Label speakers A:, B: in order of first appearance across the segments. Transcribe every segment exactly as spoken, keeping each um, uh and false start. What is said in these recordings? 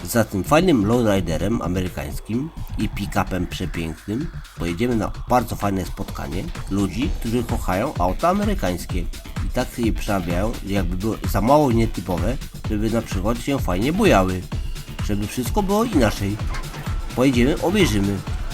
A: Za tym fajnym lowriderem amerykańskim i pick-upem przepięknym pojedziemy na bardzo fajne spotkanie ludzi, którzy kochają auta amerykańskie i tak je przerabiają, że jakby było za mało nietypowe, żeby na przykład się fajnie bujały, żeby wszystko było inaczej. Pojedziemy, obejrzymy.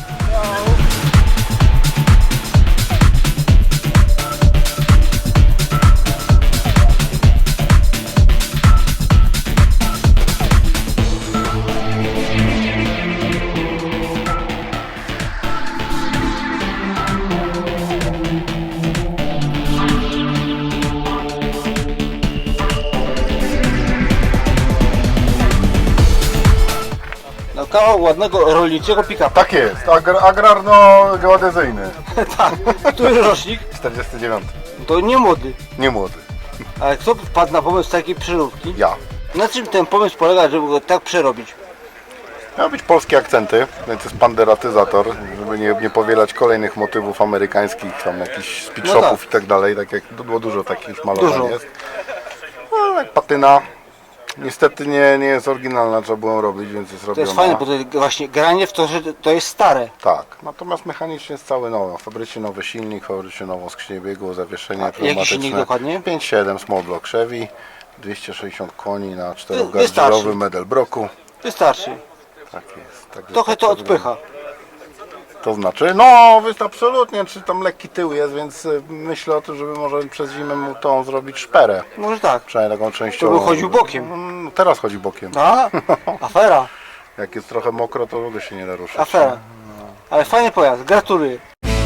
B: No kawał ładnego rolniczego pick-upa.
C: Tak jest, agr agrarno-geodezyjny.
B: Tak. Który rocznik?
C: czterdziesty dziewiąty.
B: To nie młody.
C: Nie młody.
B: Ale kto wpadł na pomysł takiej przeróbki?
C: Ja.
B: Na czym ten pomysł polega, żeby go tak przerobić?
C: Miały być polskie akcenty, więc jest panderatyzator, żeby nie, nie powielać kolejnych motywów amerykańskich, tam jakichś speed shopów
B: No tak.
C: i tak dalej, tak jak było dużo takich malowań
B: Dużo.
C: jest. No, jak patyna. Niestety nie, nie jest oryginalna, trzeba było ją robić, więc jest
B: To
C: robiona.
B: jest fajne, bo to właśnie granie w to, że to jest stare.
C: Tak, natomiast mechanicznie jest cały nowy. W fabryce nowy silnik, w fabryce nową skrzynię biegu, zawieszenie
B: A jaki
C: pneumatyczne.
B: silnik dokładnie?
C: pięć siedem small block Chevy, dwieście sześćdziesiąt koni na
B: wystarczy.
C: czterogardzielowym Edelbrocku.
B: Wystarczy.
C: Tak jest. Także
B: Trochę
C: tak
B: to
C: wygląda.
B: odpycha.
C: To znaczy, no jest absolutnie, czy tam lekki tył jest, więc y, myślę o tym, żeby może przez zimę mu tą zrobić szperę.
B: Może tak.
C: Przynajmniej taką częściową.
B: To by chodził bokiem.
C: No, teraz chodzi bokiem.
B: A, afera,
C: Jak jest trochę mokro, to w ogóle się nie da ruszyć.
B: afera. Ale fajny pojazd, gratuluję.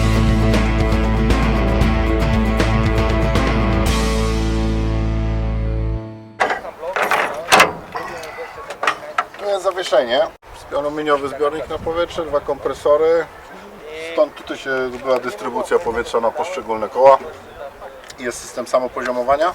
C: Tu jest zawieszenie, aluminiowy zbiornik na powietrze, dwa kompresory. Stąd tutaj się była dystrybucja powietrza na poszczególne koła. Jest system samopoziomowania.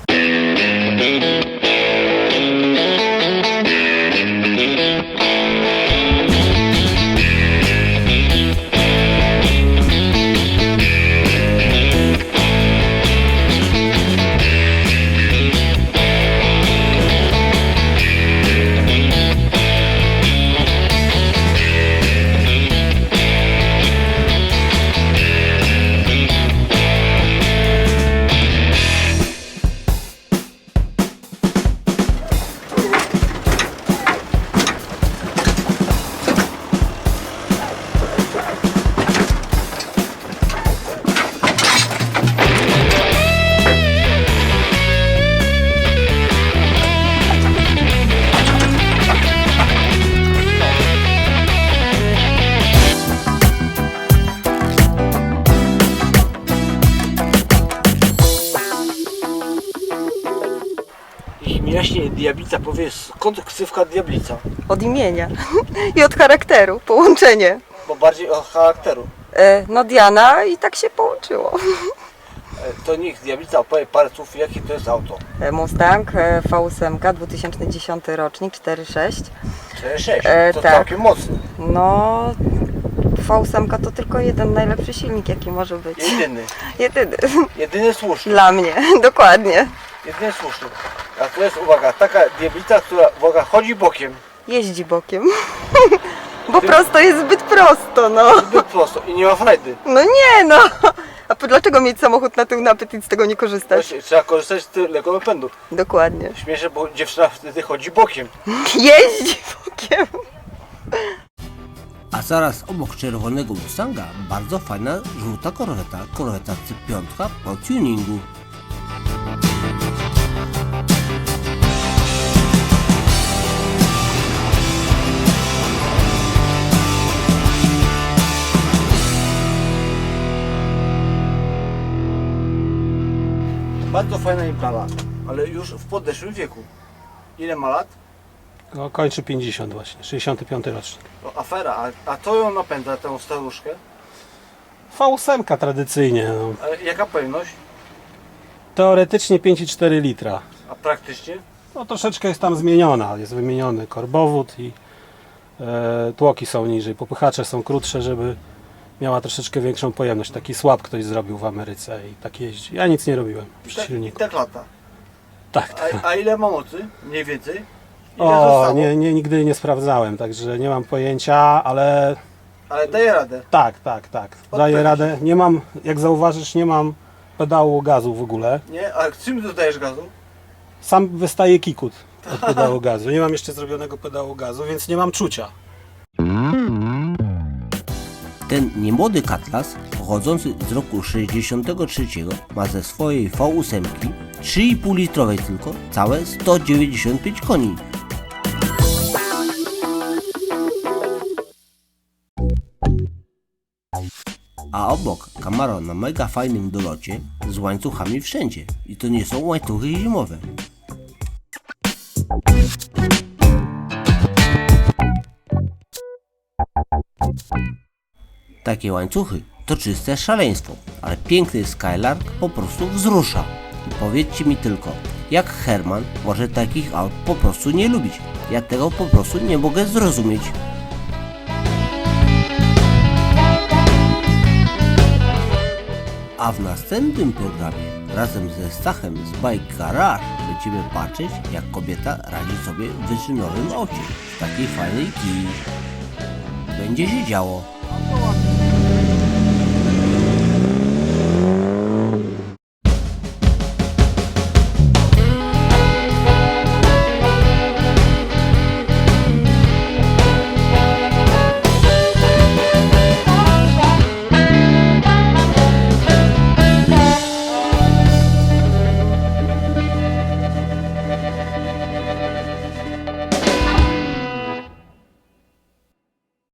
B: Jeśli mi jaśnie Diablica powie, skąd ksywka Diablica?
D: Od imienia i od charakteru, połączenie.
B: Bo bardziej od charakteru.
D: E, No Diana i tak się połączyło.
B: E, To niech Diablica opowie parę słów, jakie to jest auto.
D: E, Mustang e, V osiem dwa tysiące dziesiąty rocznik cztery sześć.
B: cztery sześć,
D: E,
B: to
D: tak.
B: całkiem mocny.
D: No V osiem to tylko jeden najlepszy silnik jaki może być.
B: Jedyny.
D: Jedyny.
B: Jedyny słuszny.
D: Dla mnie, dokładnie.
B: Jedyny słuszny. A to jest, uwaga, taka Diablica, która, uwaga, chodzi bokiem.
D: Jeździ bokiem. Bo prosto jest zbyt prosto, no.
B: Zbyt prosto i nie ma frajdy.
D: No nie no. A po- dlaczego mieć samochód na tył napęd i z tego nie korzystać?
B: Właśnie, trzeba korzystać z tylnego napędu.
D: Dokładnie.
B: Śmieszę, bo dziewczyna wtedy chodzi bokiem.
D: Jeździ bokiem.
A: A zaraz obok czerwonego Mustanga bardzo fajna żółta korweta, korweta C pięć po tuningu.
B: Bardzo fajna impreza, ale już w podeszłym wieku. Ile ma lat?
E: No, kończy pięćdziesiąt właśnie, sześćdziesiąty piąty rocznik.
B: To afera, a, a to ją napędza, tę staruszkę.
E: V osiem tradycyjnie, no.
B: Ale jaka pojemność?
E: Teoretycznie pięć i cztery litra.
B: A praktycznie?
E: No troszeczkę jest tam zmieniona, jest wymieniony korbowód i e, tłoki są niżej, popychacze są krótsze, żeby miała troszeczkę większą pojemność. Taki słab ktoś zrobił w Ameryce i tak jeździ. Ja nic nie robiłem przy
B: Tak,
E: silniku.
B: tak lata.
E: Tak, tak.
B: A, a ile ma mocy? Mniej więcej? Ile
E: O,
B: zostało?
E: nie, nie, nigdy nie sprawdzałem, także nie mam pojęcia, ale
B: Ale daje radę.
E: tak, tak, tak. Daję radę. Nie mam, jak zauważysz, nie mam pedału gazu w ogóle.
B: Nie? A czym dodajesz gazu?
E: Sam wystaje kikut od pedału gazu. Nie mam jeszcze zrobionego pedału gazu, więc nie mam czucia.
A: Ten niemłody Cutlass, pochodzący z roku sześćdziesiątego trzeciego, ma ze swojej V osiem trzy i pół litrowej tylko całe sto dziewięćdziesiąt pięć koni. A obok Camaro na mega fajnym dolocie z łańcuchami wszędzie. I to nie są łańcuchy zimowe. Takie łańcuchy to czyste szaleństwo, ale piękny Skylark po prostu wzrusza. I powiedzcie mi tylko, jak Herman może takich aut po prostu nie lubić? Ja tego po prostu nie mogę zrozumieć. A w następnym programie razem ze Stachem z Bike Garage będziemy patrzeć, jak kobieta radzi sobie w wyczynowym aucie w takiej fajnej kiji. Będzie się działo.